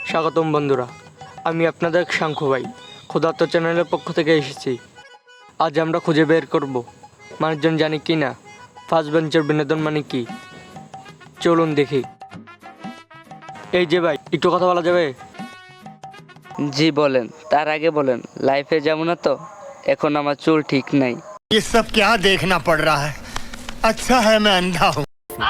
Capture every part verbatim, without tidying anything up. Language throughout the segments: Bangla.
স্বাগতম বন্ধুরা, আমি আপনাদের শাঙ্কু ভাই ক্ষুধার্ত চ্যানেলের পক্ষ থেকে এসেছি। আজ আমরা খুঁজে বের করব মানুষজন জানে কি না ফার্স্ট বেঞ্চের বিনোদন মানে কি। চলুন দেখি। এই যে ভাই, একটু কথা বলা যাবে? জি বলেন, তার আগে বলেন লাইফে যেমন তো এখন আমার চুল ঠিক নাই। ये सब क्या देखना पड़ रहा है? अच्छा है मैं अंधा हूँ।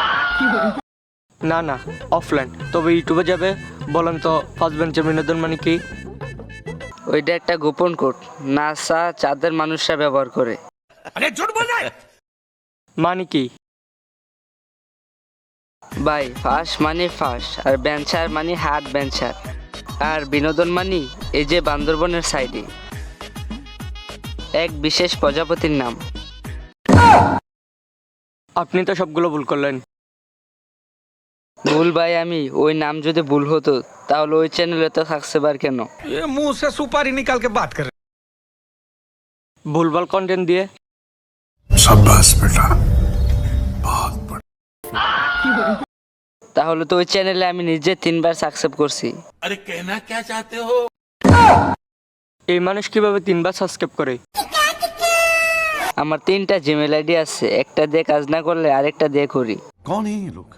না না, অফলাইন। তবে ইউটিউবে যাবে। বলেন তো ফার্স্ট বেঞ্চের বিনোদন মানে কি? ওইটা একটা গোপন কোড, নাসা চাঁদের মানুষরা ব্যবহার করে। মানে কি? ভাই ফার্স্ট মানে ফার্স্ট, আর বেঞ্চার মানে হার্ড বেঞ্চার, আর বিনোদন মানে এই যে বান্দরবনের সাইডে এক বিশেষ প্রজাপতির নাম। আপনি তো সবগুলো ভুল করলেন। ভুল ভাই, আমি ওই নাম যদি ভুল হতো তাহলে ওই চ্যানেলে তো থাকছে বার কেন? ये मुंह से सुपारी निकाल के बात कर रहे ভুলভাল কন্টেন্ট দিয়ে शाबाश बेटा। তাহলে তো ওই চ্যানেলে আমি নিজে তিনবার সাবস্ক্রাইব করছি। अरे कहना क्या चाहते हो? এই মানুষ কিভাবে তিনবার সাবস্ক্রাইব করে? আমার তিনটা জিমেল আইডি আছে, একটা দিয়ে কাজ না করলে আরেকটা দিয়ে করি। कौन है ये लोग?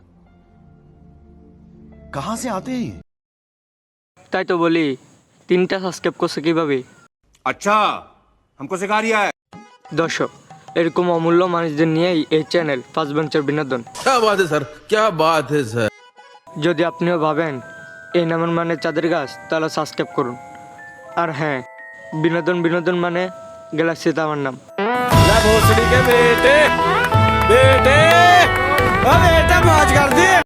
कहाँ से आते हैं ये? তাই তো বলি, তিনটা সাবস্ক্রাইব করছে কিভাবে? अच्छा हमको सिखा रिया है। দর্শক, এরকম অমূল্য মানুষদের নিয়েই এই চ্যানেল ফার্স্ট বেঞ্চের বিনোদন। क्या बात है सर, क्या बात है सर। যদি আপনিও ভাবেন এই নামের মানে চাঁদের গাছ, তাহলে সাবস্ক্রাইব করুন। আর হ্যাঁ, বিনোদন বিনোদন মানে গ্যালাক্সিতে আমার নাম। भोसड़ी के बेटे बेटे बेटा मौज कर दी।